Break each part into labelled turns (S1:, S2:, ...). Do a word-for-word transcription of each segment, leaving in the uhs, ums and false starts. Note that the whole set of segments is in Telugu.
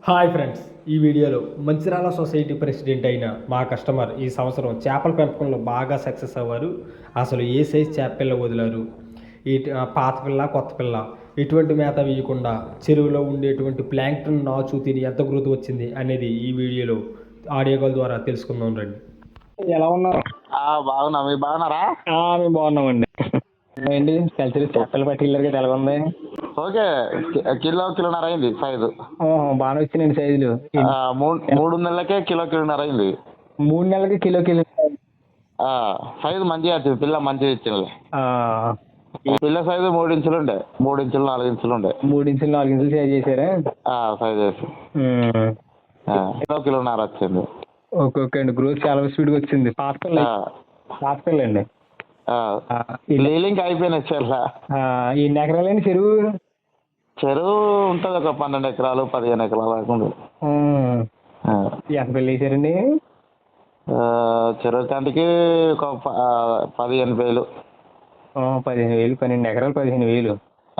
S1: హాయ్ ఫ్రెండ్స్, ఈ వీడియోలో మంచిర్యాల సొసైటీ ప్రెసిడెంట్ అయిన మా కస్టమర్ ఈ సంవత్సరం చేపల పెంపకంలో బాగా సక్సెస్ అవ్వారు. అసలు ఏ సైజ్ చేప పిల్ల వదిలారు, ఈ పాత పిల్ల కొత్త పిల్ల ఎటువంటి మేత వేయకుండా చెరువులో ఉండేటువంటి ప్లాంక్టన్ నాచు తిని ఎంత గ్రోత్ వచ్చింది అనేది ఈ వీడియోలో ఆడియో కాల్ ద్వారా తెలుసుకుందాం రండి. ఎలా ఉన్నారు?
S2: బాగున్నా, మీరు బాగున్నారా?
S1: మేము బాగున్నామండి. ఏంటి కలిసి చేపలు పట్టిల్లరు కదా, ఎలా ఉంది?
S2: ఓకే, కిలో కిలోన్నర అయింది సైజు.
S1: బాగా వచ్చినాయండి సైజులు.
S2: మూడు నెలలకే కిలో కిలోన్నర అయింది.
S1: మూడు నెలలకి కిలో కిలో
S2: సైజు మంచిగా వచ్చింది, పిల్ల మంచిగా ఇచ్చింది. పిల్ల సైజు మూడు ఇంచులు ఉండే, మూడు ఇంచులు నాలుగు ఇంచులు ఉండే.
S1: మూడు ఇంచులు నాలుగు ఇంచులు సైజ్ చేశారా?
S2: సైజ్ చేసి కిలో కిలోన్నర వచ్చింది.
S1: ఓకే ఓకే అండి, గ్రోత్ చాలా స్పీడ్గా వచ్చింది. పాత పిల్ల పాత పిల్ల అండి.
S2: లీలింగ్ అయిపోయినాయి చెర్ల.
S1: ఎన్ని ఎకరాలండి చెరువు?
S2: చెరువు ఉంటుంది ఒక పన్నెండు ఎకరాలు పదిహేను ఎకరాలు కాకుండా.
S1: ఎంత పిల్ల వేసారండి?
S2: చెరువు తండ్రికి ఒక పదిహేను వేలు.
S1: పదిహేను వేలు పన్నెండు ఎకరాలు పదిహేను వేలు.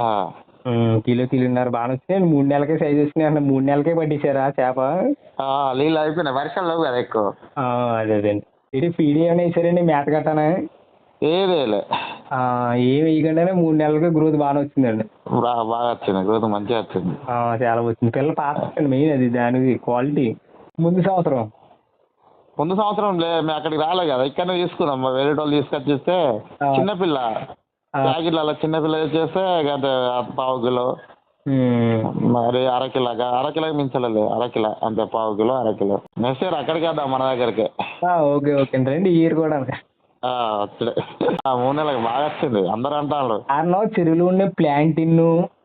S1: కిలో కిలోన్నర బాగా వచ్చినాయి. మూడు నెలలకే సైజ్ వచ్చినాయి అంటే మూడు నెలలకే పట్టించారా చేప?
S2: నీళ్ళు అయిపోయినాయి, వర్షాలు లేవు కదా ఎక్కువ.
S1: అదే అదండి. ఇది ఫీడ్ ఏమైనా వేసారండి, మేత కట్టానా?
S2: ఏదేలే,
S1: ఏమి వేయకుండానే మూడు నెలలకి గ్రోత్ బాగా వచ్చిందండి.
S2: బాగా వచ్చింది, గ్రోత్ మంచిగా వచ్చింది,
S1: చాలా వచ్చింది. పిల్ల పాత మెయిన్ అది, దానికి క్వాలిటీ. ముందు సంవత్సరం
S2: ముందు సంవత్సరం లే మేము అక్కడికి రాలేదు కదా, ఇక్కడనే తీసుకున్నాం. వేరే వాళ్ళు తీసుకొచ్చి ఇస్తే చిన్నపిల్ల ప్యాకెట్లలో చిన్నపిల్ల చేస్తే గంట పావు కిలో, మరి అరకిలాగా అరకిలోకి మించలేదు, అరకిలో అంతే, పావు కిలో అరకిలో. నెక్స్ట్ ఇయర్ అక్కడికి వద్దాం మన దగ్గరికి. ఓకే
S1: ఓకే రండి, ఈ ఇయర్ కూడా
S2: వచ్చే మూడు నెలలకు బాగా వచ్చింది అందరు అంటారు.
S1: కారణం చెరువులో ఉండే ప్లాంటిన్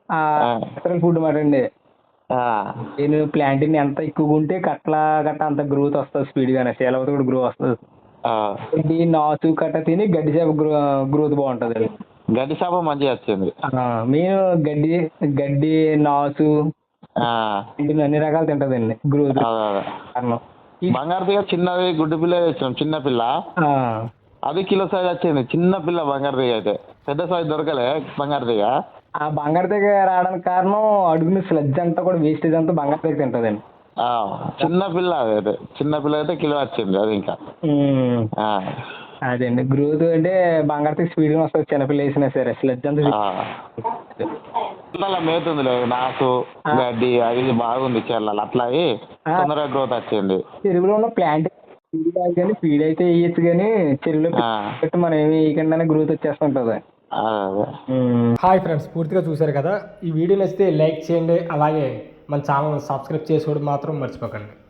S1: ఫుడ్ మాట అండి. నేను ప్లాంటిన్ ఎంత ఎక్కువగా ఉంటే కట్ల గట్ట అంత గ్రోత్ వస్తుంది స్పీడ్ గానే, సేలవతో కూడా గ్రో వస్తుంది. గడ్డి నాచు కట్ట తిని గడ్డి చేప గ్రోత్ బాగుంటది.
S2: గడ్డి చేప మంచిగా వచ్చింది.
S1: మేము గడ్డి గడ్డి నాచు అన్ని రకాలు తింటదండి గ్రోత్.
S2: బంగారు తీగ చిన్నది గుడ్డు పిల్ల తెచ్చినాం, చిన్న పిల్ల అది కిలో సైజ్ వచ్చింది. చిన్న పిల్ల బంగారు తీగ అయితే, పెద్ద సైజ్ దొరకలే బంగారు తీగ.
S1: ఆ బంగారు తీగ రావడానికి కారణం అడుగున స్లెడ్జ్ అంతా కూడా వేస్టేజ్ అంతా బంగారు తీగ తింటదండి.
S2: చిన్న పిల్ల అయితే, చిన్న పిల్ల అయితే కిలో వచ్చింది అది. ఇంకా
S1: అదండి గ్రోత్ అంటే బంగారు తీగ స్పీడ్ గా వస్తుంది, చిన్నపిల్ల వేసినా సరే. స్లెడ్జ్ అంతా
S2: మేతుంది లేదు, నాసు గడ్డి అది బాగుంది చెల్లలు, అట్లా తొందరగా గ్రోత్ వచ్చింది.
S1: చెరువులో ఉన్న ప్లాంట్ కానీ ఫీడ్ అయితే వేయచ్చు, కానీ చెరువులో పెట్టి మనం ఏమి వేయకుండానే గ్రోత్ వచ్చేస్తుంటది. హాయ్ ఫ్రెండ్స్, పూర్తిగా చూసారు కదా. ఈ వీడియో నచ్చితే లైక్ చేయండి, అలాగే మన ఛానల్ సబ్స్క్రైబ్ చేసుకోవడం మాత్రం మర్చిపోకండి.